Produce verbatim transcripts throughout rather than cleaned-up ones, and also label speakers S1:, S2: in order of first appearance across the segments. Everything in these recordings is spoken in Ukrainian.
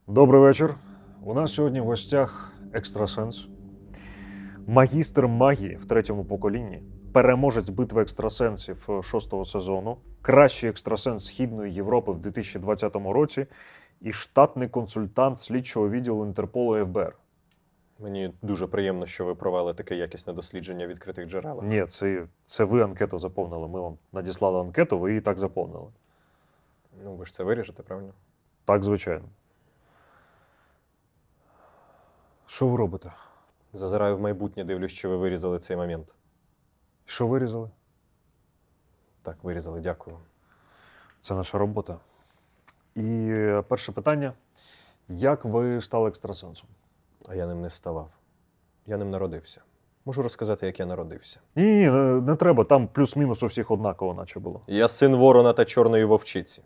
S1: Добрий вечір. У нас сьогодні в гостях екстрасенс, магістр магії в третьому поколінні, переможець битви екстрасенсів шостого сезону, кращий екстрасенс Східної Європи в дві тисячі двадцятому році і штатний консультант слідчого відділу Інтерполу еф бе ер.
S2: Мені дуже приємно, що ви провели таке якісне дослідження в відкритих джерелах.
S1: Ні, це, це ви анкету заповнили. Ми вам надіслали анкету, ви її так заповнили.
S2: Ну, ви ж це виріжете, правильно?
S1: Так, звичайно. Що ви робите?
S2: Зазираю в майбутнє, дивлюсь, що ви вирізали цей момент.
S1: Що вирізали?
S2: Так, вирізали, дякую.
S1: Це наша робота. І перше питання. Як ви стали екстрасенсом?
S2: А я ним не ставав. Я ним народився. Можу розказати, як я народився.
S1: Ні-ні, не, не треба, там плюс-мінус у всіх однаково наче було.
S2: Я син ворона та чорної вовчиці.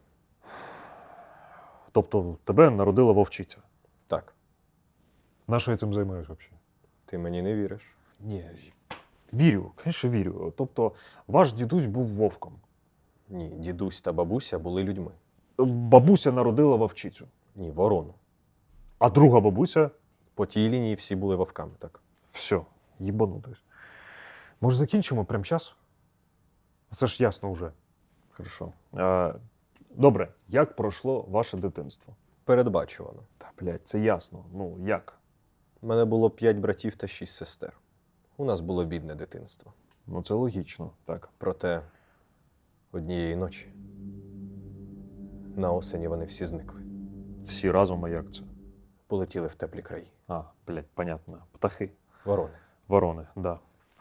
S1: Тобто тебе народила вовчиця.
S2: Так,
S1: На що я цим займаюся взагалі?
S2: ти мені не віриш.
S1: Ні, вірю, звісно, вірю. Тобто ваш дідусь був вовком.
S2: Ні, дідусь та бабуся були людьми.
S1: Бабуся народила вовчицю.
S2: Ні, ворону.
S1: А друга бабуся
S2: По тій лінії всі були вовками, так.
S1: все, їбанутись. Може, закінчимо прямо час? Це ж ясно вже. Хорошо. А, добре, як пройшло ваше дитинство?
S2: Передбачувано.
S1: Та, блядь, це ясно. Ну, як?
S2: У мене було п'ять братів та шість сестер. У нас було бідне дитинство.
S1: Ну, це логічно, так.
S2: Проте однієї ночі на осені вони всі зникли.
S1: Всі разом, а як це?
S2: Полетіли в теплі краї.
S1: А, блядь, понятно. Птахи.
S2: Ворони.
S1: Ворони, да.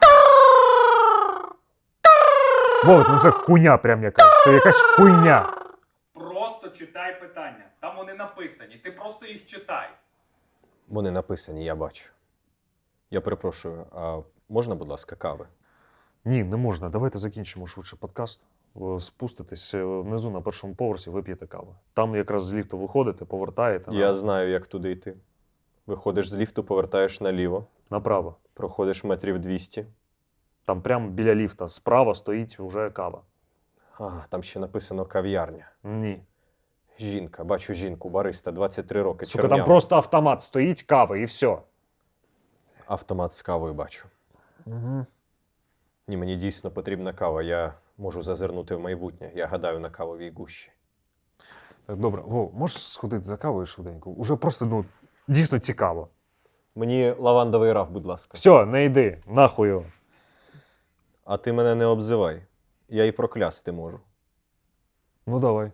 S1: Вовк, ну це хуйня прям якась. Це якась хуйня.
S3: Просто читай питання. Там вони написані. Ти просто їх читай.
S2: Вони написані, я бачу. Я перепрошую, а можна, будь ласка, кави?
S1: Ні, не можна. Давайте закінчимо швидше подкаст. Ви спуститесь е, внизу на першому поверсі, вип'єте каву. Там якраз з ліфту виходите, повертаєте
S2: Я
S1: на...
S2: знаю, як туди йти. Виходиш з ліфту, повертаєш наліво,
S1: направо.
S2: проходиш метрів двісті.
S1: Там прямо біля ліфта справа стоїть уже кава.
S2: А, там ще написано кав'ярня.
S1: Ні.
S2: Жінка, бачу жінку, бариста, двадцять три роки,
S1: Сука, там
S2: чорнява.
S1: просто автомат стоїть, кава і все.
S2: Автомат з кавою бачу.
S1: Угу.
S2: Ні, мені дійсно потрібна кава, я можу зазирнути в майбутнє. Я гадаю на кавовій гущі.
S1: Добре, Вов, можеш сходити за кавою швиденько? Уже просто, ну, дійсно цікаво.
S2: Мені лавандовий раф, будь ласка.
S1: Все, не йди, нахуй його.
S2: А ти мене не обзивай. Я і проклясти можу.
S1: Ну, давай.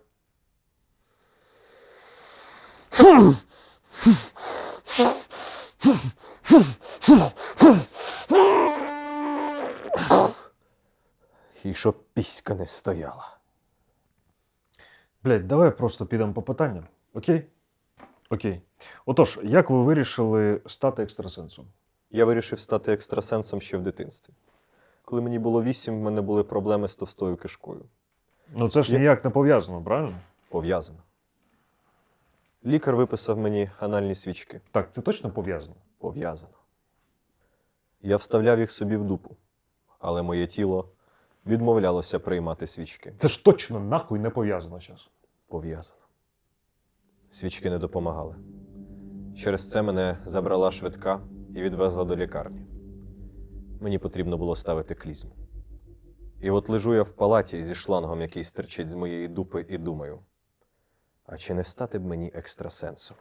S2: І щоб піська не стояла.
S1: Блядь, давай просто підемо по питанням. Окей? Окей. Отож, як ви вирішили стати екстрасенсом?
S2: Я вирішив стати екстрасенсом ще в дитинстві. Коли мені було вісім, в мене були проблеми з товстою кишкою.
S1: Ну це ж
S2: Я-
S1: ніяк не пов'язано, правильно?
S2: Пов'язано. Лікар виписав мені анальні свічки.
S1: Так, це точно пов'язано?
S2: Пов'язано. Я вставляв їх собі в дупу, але моє тіло відмовлялося приймати свічки.
S1: Це ж точно нахуй не пов'язано зараз.
S2: Пов'язано. Свічки не допомагали. Через це мене забрала швидка і відвезла до лікарні. Мені потрібно було ставити клізму. І от лежу я в палаті зі шлангом, який стирчить з моєї дупи, і думаю, а чи не стати б мені екстрасенсом?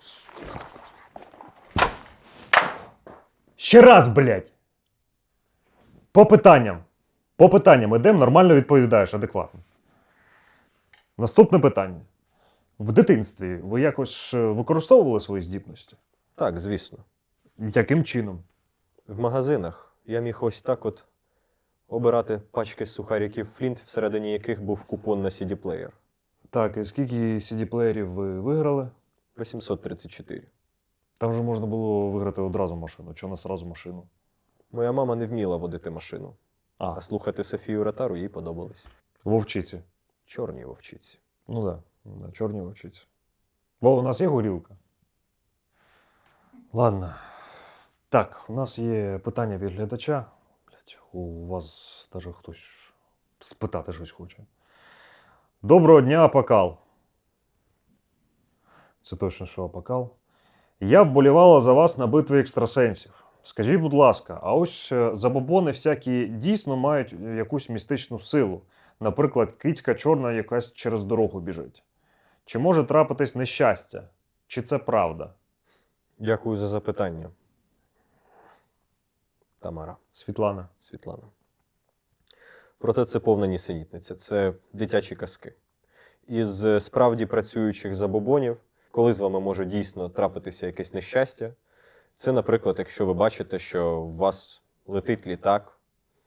S1: Ще раз, блядь! По питанням. По питанням ідемо, нормально відповідаєш, адекватно. Наступне питання. В дитинстві ви якось е, використовували свої здібності?
S2: Так, звісно.
S1: Яким чином?
S2: В магазинах я міг ось так от обирати пачки сухариків Флінт, всередині яких був купон на сі ді-плеєр.
S1: Так, і скільки сі ді-плеєрів ви виграли?
S2: вісімсот тридцять чотири.
S1: Там же можна було виграти одразу машину, чи не сразу машину.
S2: Моя мама не вміла водити машину,
S1: А,
S2: а слухати Софію Ротару їй подобалось.
S1: вовчиці.
S2: Чорні вовчиці.
S1: Ну так, да, да, чорні вовчиці. Бо у нас є горілка. Ладно. Так, у нас є питання від глядача. Блять, у вас даже хтось спитати щось хоче. Доброго дня, Апокал. Це точно, що Апокал. Я вболівала за вас на битві екстрасенсів. Скажіть, будь ласка, а ось е, забобони всякі дійсно мають якусь містичну силу? Наприклад, кицька чорна якась через дорогу біжить. Чи може трапитись нещастя? Чи це правда?
S2: Дякую за запитання. Тамара,
S1: Світлана.
S2: Світлана. Проте це повна нісенітниця, це дитячі казки. Із е, справді працюючих забобонів, коли з вами може дійсно трапитися якесь нещастя, це, наприклад, якщо ви бачите, що у вас летить літак,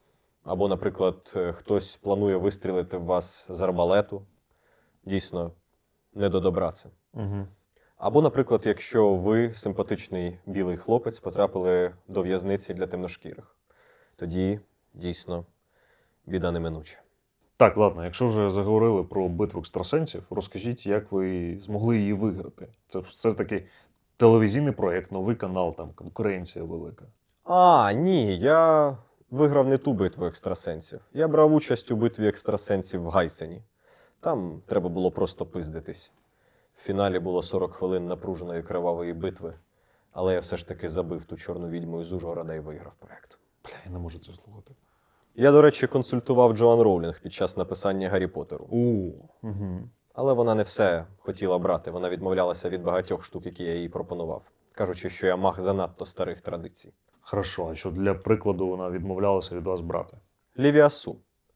S2: або, наприклад, е, хтось планує вистрілити в вас з арбалету, дійсно, не до добра це.
S1: Угу.
S2: Або, наприклад, якщо ви, симпатичний білий хлопець, потрапили до в'язниці для темношкірих, тоді, дійсно, біда неминуча.
S1: Так, ладно, якщо вже заговорили про битву екстрасенсів, розкажіть, як ви змогли її виграти. Це все-таки телевізійний проєкт, новий канал, там конкуренція велика.
S2: А, ні, я виграв не ту битву екстрасенсів. Я брав участь у битві екстрасенсів в Гайсені. Там треба було просто пиздитись. В фіналі було сорок хвилин напруженої кривавої битви, але я все ж таки забив ту чорну відьму із Ужгорода і виграв проєкт.
S1: Бля, я не можу це слухати.
S2: Я, до речі, консультував Джоан Роулінг під час написання Гаррі Поттеру.
S1: О, угу.
S2: Але вона не все хотіла брати, вона відмовлялася від багатьох штук, які я їй пропонував, кажучи, що я маг занадто старих традицій.
S1: Хорошо, а що для прикладу вона відмовлялася від вас брати?
S2: Лівіасу.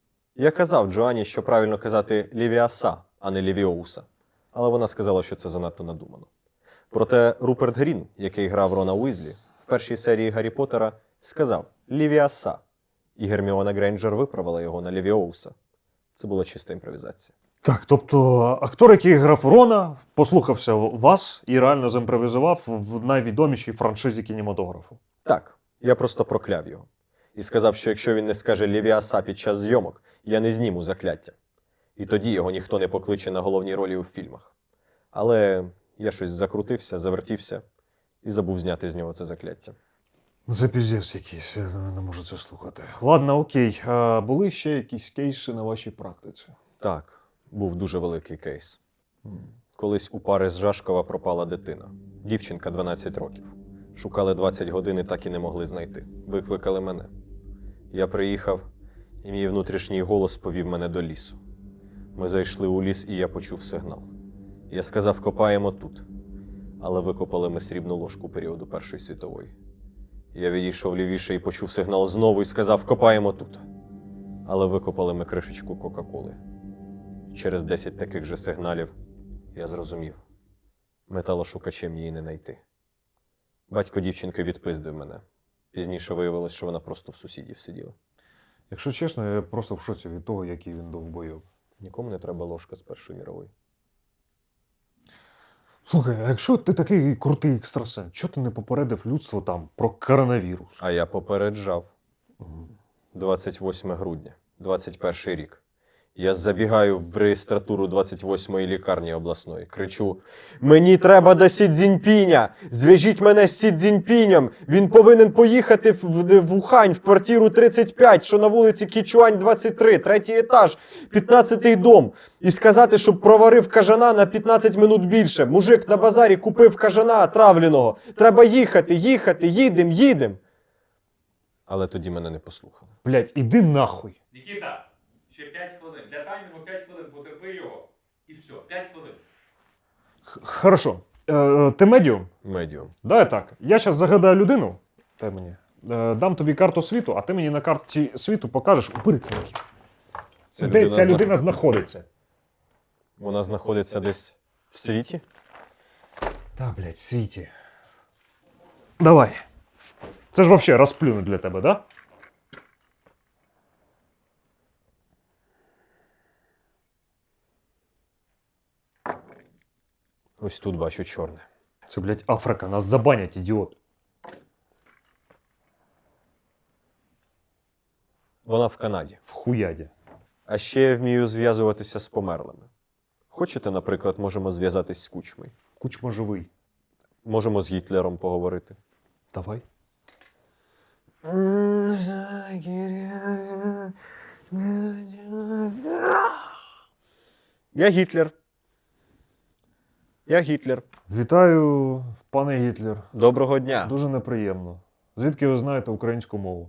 S2: Я казав Джоанні, що правильно казати Лівіаса, а не Лівіоуса. Але вона сказала, що це занадто надумано. Проте Руперт Грін, який грав Рона Уізлі, в першій серії Гаррі Поттера сказав Лівіаса. І Герміона Грейнджер виправила його на Лівіоуса. Це була чиста імпровізація.
S1: Так, тобто актор, який грав Рона, послухався вас і реально зімпровізував в найвідомішій франшизі кінематографу.
S2: Так, я просто прокляв його. І сказав, що якщо він не скаже Лівіаса під час зйомок, я не зніму закляття. І тоді його ніхто не покличе на головні ролі у фільмах. Але я щось закрутився, завертівся і забув зняти з нього це закляття.
S1: Це піздець якийсь, я не можу це слухати. Ладно, окей. А були ще якісь кейси на вашій практиці?
S2: Так, був дуже великий кейс. Колись у пари з Жашкова пропала дитина. Дівчинка дванадцять років. Шукали двадцять годин і так і не могли знайти. Викликали мене. Я приїхав, і мій внутрішній голос повів мене до лісу. Ми зайшли у ліс, і я почув сигнал. Я сказав, копаємо тут. Але викопали ми срібну ложку періоду Першої світової. Я відійшов лівіше і почув сигнал знову і сказав, копаємо тут. Але викопали ми кришечку Кока-Коли. Через десять таких же сигналів я зрозумів. Металошукачем її не знайти. Батько дівчинки відпиздив мене. Пізніше виявилось, що вона просто в сусідів сиділа.
S1: Якщо чесно, я просто в шоці від того, який він довбойов.
S2: Нікому не треба ложка з Першої мірової.
S1: Слухай, а якщо ти такий крутий екстрасенс, чого ти не попередив людство там про коронавірус?
S2: А я попереджав.
S1: Мгм.
S2: двадцять восьме грудня, двадцять перший рік. Я забігаю в реєстратуру двадцять восьмої лікарні обласної. Кричу: «Мені треба до Сі Цзіньпіня! Зв'яжіть мене з Сі Цзіньпінем! Він повинен поїхати в, в, в Ухань, в квартиру тридцять п'ять, що на вулиці Кічуань, двадцять три, третій етаж, п'ятнадцятий дом. І сказати, щоб проварив кажана на п'ятнадцять минут більше. Мужик на базарі купив кажана отравленого. Треба їхати, їхати, їдем, їдем!» Але тоді мене не послухали.
S1: Блять, іди нахуй.
S3: Нікіта, ще п'ять хвилин. Для таймінгу п'ять хвилин, потерпи його. І все, п'ять хвилин.
S1: Х- Хорошо. Е, е, ти медіум?
S2: Медіум.
S1: Давай так. Я зараз загадаю людину. Дай мені. Е, дам тобі карту світу, а ти мені на карті світу покажеш у перецінки.
S2: Ця
S1: Де
S2: людина
S1: ця
S2: зна-
S1: людина знаходиться?
S2: Вона знаходиться десь в світі?
S1: Та, блядь, в світі. Давай. Це ж вообще розплюнуть для тебе, да?
S2: Ось тут бачу чорне.
S1: Це, блядь, Африка, нас забанять, ідіот.
S2: Вона в Канаді.
S1: В хуяді.
S2: А ще я вмію зв'язуватися з померлими. Хочете, наприклад, можемо зв'язатись з Кучмою?
S1: Кучма живий.
S2: Можемо з Гітлером поговорити.
S1: Давай.
S2: Я Гітлер. Я Гітлер.
S1: Вітаю, пане Гітлер.
S2: Доброго дня.
S1: Дуже неприємно. Звідки ви знаєте українську мову?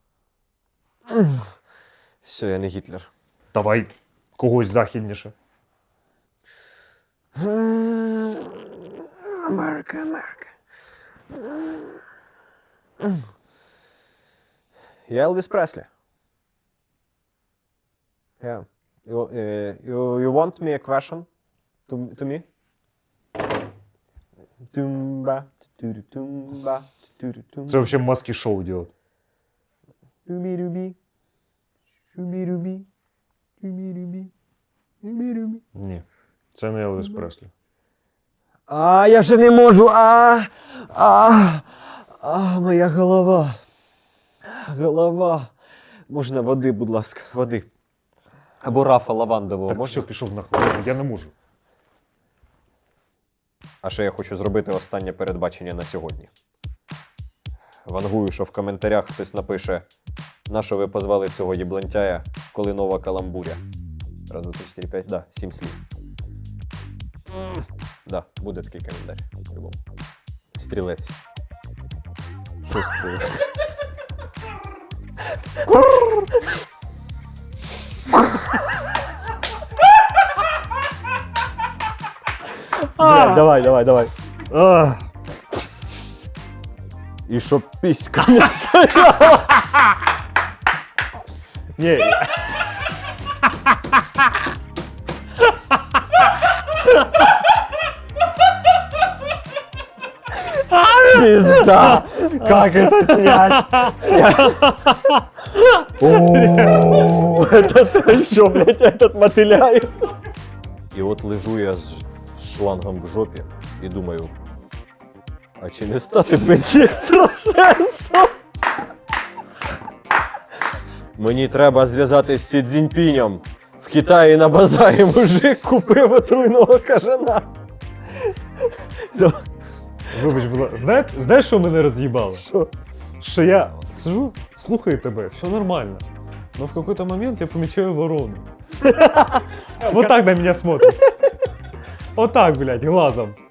S2: Все, я не Гітлер.
S1: Давай когось західніше.
S2: Америка, Америка. Я Елвіс Преслі. Yeah. You, uh, you, you want me a question to, to me? Тумба, ту-ту-тумба, ту-ту-тумба.
S1: Це взагалі маски шоу делать.
S2: Рубі-рубі, рубі-рубі, рубі-рубі, рубі-рубі.
S1: Ні, це не Елвіс Преслі.
S2: А, я вже не можу. А, а, а, моя голова. Голова. Можна води, будь ласка, води. Або рафа лавандового.
S1: Так
S2: можна?
S1: все, пішов нахуй. Я не можу.
S2: А ще я хочу зробити останнє передбачення на сьогодні. Вангую, що в коментарях хтось напише, на що ви позвали цього єблантяя, коли нова каламбуря. Раз, два, три, чотири, п'ять, да, сім слів. Да, буде такий коментар. По-любому. Стрілець. Що стрілець? Давай, давай, давай.
S1: Ах,
S2: І щоб піська не стояла.
S1: ні,
S2: Пизда! Как это снять? О, это еще, блядь, этот мотыляется. І от лежу я з шлангом в жопі і думаю, а чи не стати блядь, екстрасенсом? Мені треба зв'язатись з Сі Цзіньпінем. В Китаї на базарі мужик купив отруйного кажана.
S1: вибач, будь ласка. Знаєш, знаєш, що мене роз'їбало?
S2: Що?
S1: Що я сижу, слухаю тебе, все нормально. Но в какой-то момент я помечаю ворону. Вот так на меня смотрит. Вот так, блядь, глазом.